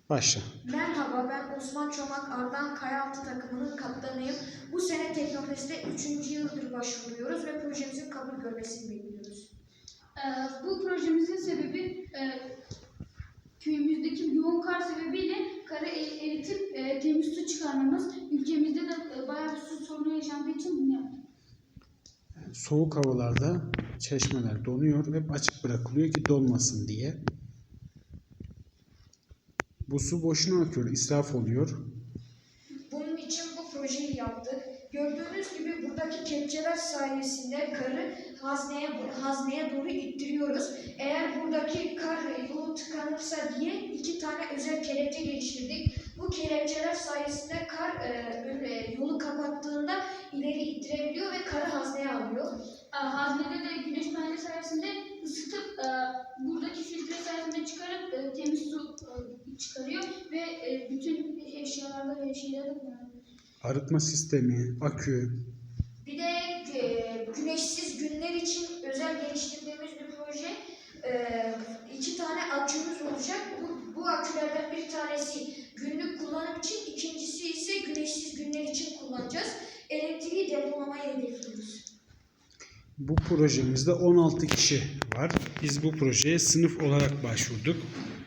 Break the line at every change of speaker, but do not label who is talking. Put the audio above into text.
Başla.
Merhaba, ben Osman Çomak, Ardahan Kayaaltı takımının kaptanıyım. Bu sene Teknofest'e 3. yıldır başvuruyoruz ve projemizin kabul görmesini bekliyoruz.
Bu projemizin sebebi köyümüzdeki yoğun kar sebebiyle karı eritip temiz su çıkarmamız. Ülkemizde de bayağı bir su sorunu yaşandığı için bunu yaptık.
Soğuk havalarda çeşmeler donuyor ve açık bırakılıyor ki donmasın diye. Bu su boşuna akıyor, israf oluyor.
Bunun için bu projeyi yaptık. Gördüğünüz gibi buradaki kepçeler sayesinde karı hazneye doğru ittiriyoruz. Eğer buradaki kar yolu tıkanırsa diye 2 tane özel kelepçe geliştirdik. Bu kelepçeler sayesinde kar yolu kapattığında ileri ittirebiliyor ve karı hazneye alıyor.
Haznede de güneş paneli sayesinde ısıtıp buradaki filtre sayesinde çıkarıp temiz su çıkarıyor ve bütün eşyalarda ve şeylerde kullanılıyor.
Arıtma sistemi, akü.
Bir de güneşsiz günler için özel geliştirdiğimiz bir proje. 2 tane akümüz olacak. Bu akülerden bir tanesi günlük kullanım için, ikincisi ise güneşsiz günler için kullanacağız. Elektriği depolamayı hedefliyoruz.
Bu projemizde 16 kişi var. Biz bu projeye sınıf olarak başvurduk.